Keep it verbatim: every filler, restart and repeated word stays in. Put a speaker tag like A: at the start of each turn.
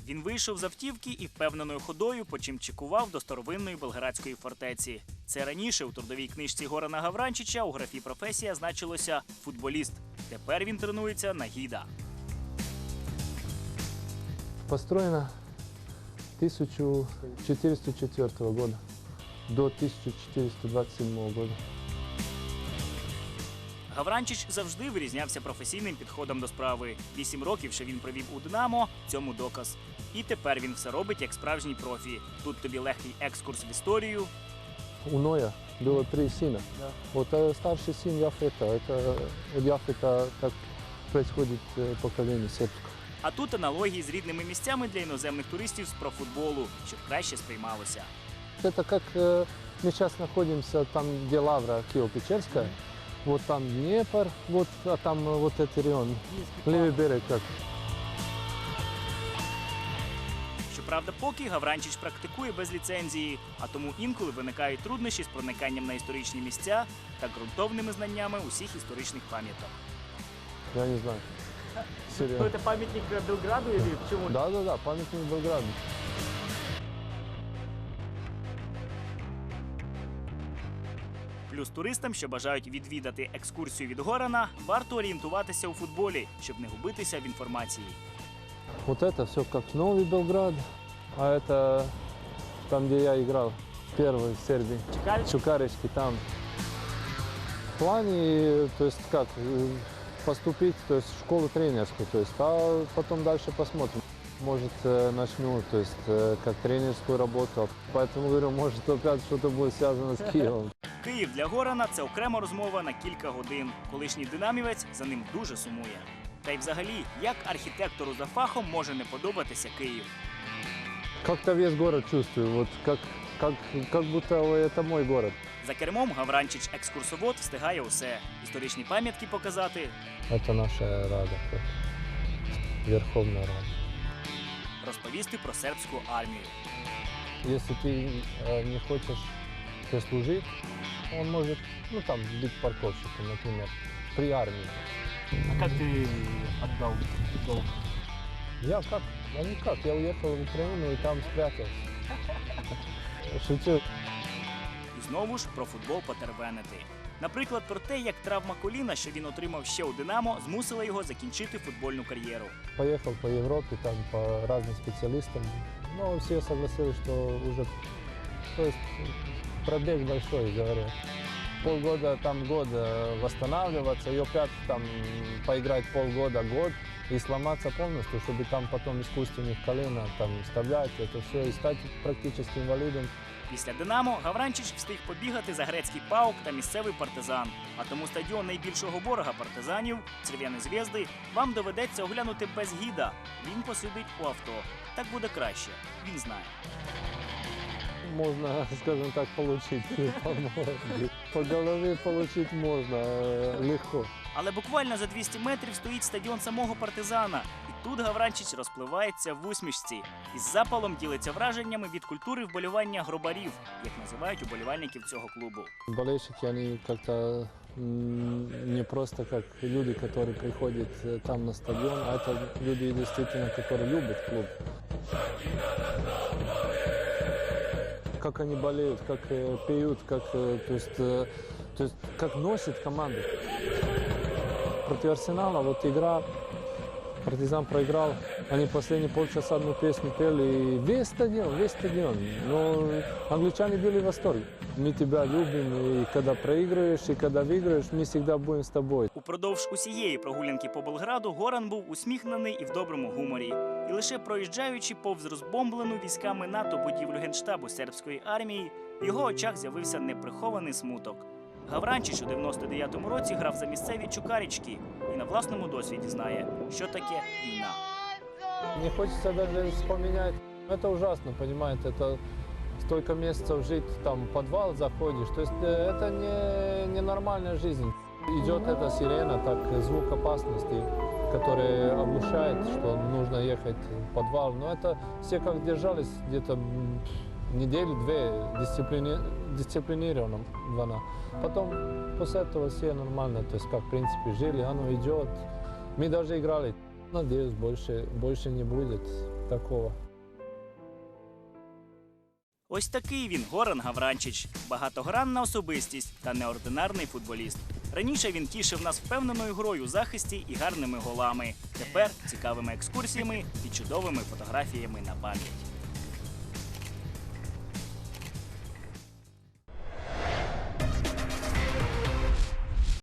A: Він вийшов з автівки і впевненою ходою почимчикував до старовинної Белградської фортеці. Це раніше у трудовій книжці Горана Гавранчича у графі «Професія» значилося «футболіст». Тепер він тренується на гіда.
B: Построено тысяча четыреста четвёртого года до тысяча четыреста двадцать седьмого года.
A: Гавранчич завжди вирізнявся професійним підходом до справи. Вісім років, що він провів у «Динамо» – цьому доказ. І тепер він все робить як справжній профі. Тут тобі легкий екскурс в історію.
B: У Ноя было три сына. Да. Вот э, старший сын Яфета. Это от Яфета так происходит э, поколение сербского.
A: А тут аналогії з рідними місцями для іноземних туристів з профутболу, щоб краще сприймалося.
B: Это как э, мы сейчас находимся там, где Лавра Киево-Печерская. Вот там Днепр, вот, а там э, вот этот район, левый берег как.
A: Щоправда, поки Гавранчич практикує без ліцензії, а тому інколи виникають труднощі з прониканням на історичні місця та ґрунтовними знаннями усіх історичних пам'яток.
B: Я не знаю. Серьезно.
A: Це пам'ятник Белграду чи чому?
B: Да, да, да, памятник Белграду.
A: Плюс туристам, що бажають відвідати екскурсію від Горана, варто орієнтуватися у футболі, щоб не губитися в інформації.
B: Вот это все как Новый Белград, а это там, где я играл, первый в Сербии.
A: Чукарич?
B: Чукарички там. В плане, то есть как, э, поступить, то есть в школу тренерскую, то есть, а потом дальше посмотрим. Может, э, начну, то есть, э, как тренерскую работу. Поэтому говорю, может, опять что-то будет связано с Киевом.
A: Київ для Горана – це окрема розмова на кілька годин. Колишній динамівець за ним дуже сумує. Та й взагалі, як архітектору за фахом може не подобатися Київ?
B: Как-то весь город чувствую, вот как, как, как будто это мой город.
A: За кермом Гавранчич-екскурсовод встигає усе. Історичні пам'ятки показати,
B: Это наша рада, как Верховная Рада.
A: розповісти про сербську армію.
B: Если ты э, не хочешь то есть, служить, он может, ну там, быть парковщиком, например, при армии.
A: А як ти віддав долг?
B: Я как? А никак. Я уехал в Украину и там спрятался. Шучу.
A: І знову ж про футбол потервенити. Наприклад, про те, як травма коліна, що він отримав ще у «Динамо», змусила його закінчити футбольну кар'єру.
B: Поехал по Европе, там по разным специалистам. Но все согласились, что уже то есть, пробег большой, говорят. Полгода, там год э, восстанавливаться, и опять там поиграть полгода, год и сломаться полностью, чтобы там потом искусственных колен там вставлять это все и стать практически инвалидом.
A: Після «Динамо» Гавранчич встиг побігати за грецький «Паук» та місцевий «Партизан». А тому стадіон найбільшого ворога партизанів – «Черв'яні зв'язди» вам доведеться оглянути без гіда. Він посидить у авто. Так буде краще. Він знає.
B: Можно, скажем так, получить по морде. По голове получить можно э, легко.
A: Але буквально за двісті метрів стоїть стадіон самого «Партизана». І тут Гавранчич розпливається в усмішці. Із запалом ділиться враженнями від культури вболівання гробарів, як називають уболівальників цього клубу.
B: Болельщики, они как-то м, не просто как люди, которые приходят э, там на стадион, а это люди действительно, которые любят клуб. Как они болеют, как э, пьют, как, э, то есть, э, то есть, как носит команду. Против Арсенала вот игра, Партизан проиграл, они последние полчаса одну песню пели, и весь стадион, весь стадион. Но англичане были в восторге. Мы тебя любим, и когда проигрываешь, и когда выигрываешь, мы всегда будем с тобой.
A: Упродовж усієї прогулянки по Белграду Горан був усміхнений і в доброму гуморі. І лише проїжджаючи повз розбомблену військами НАТО будівлю Генштабу сербської армії, в його очах з'явився неприхований смуток. Гавранчич у дев'яносто дев'ятому році грав за місцеві Чукарички і на власному досвіді знає, що таке війна.
B: Не хочется даже вспоминать. Это ужасно, понимаете, это столько месяцев жить, там, в подвал заходишь. То есть э, это не, не нормальная жизнь. Идет эта сирена, так, звук опасности, который оглушает, что нужно ехать в подвал. Но это все как держались где-то м, неделю-две дисциплини... дисциплинированно. Потом после этого все нормально, то есть как в принципе жили, оно идет. Мы даже играли. Надеюсь, больше, больше не будет. такого.
A: Ось такий він Горан Гавранчич. Багатогранна особистість та неординарний футболіст. Раніше він тішив нас впевненою грою у захисті і гарними голами. Тепер цікавими екскурсіями і чудовими фотографіями на пам'ять.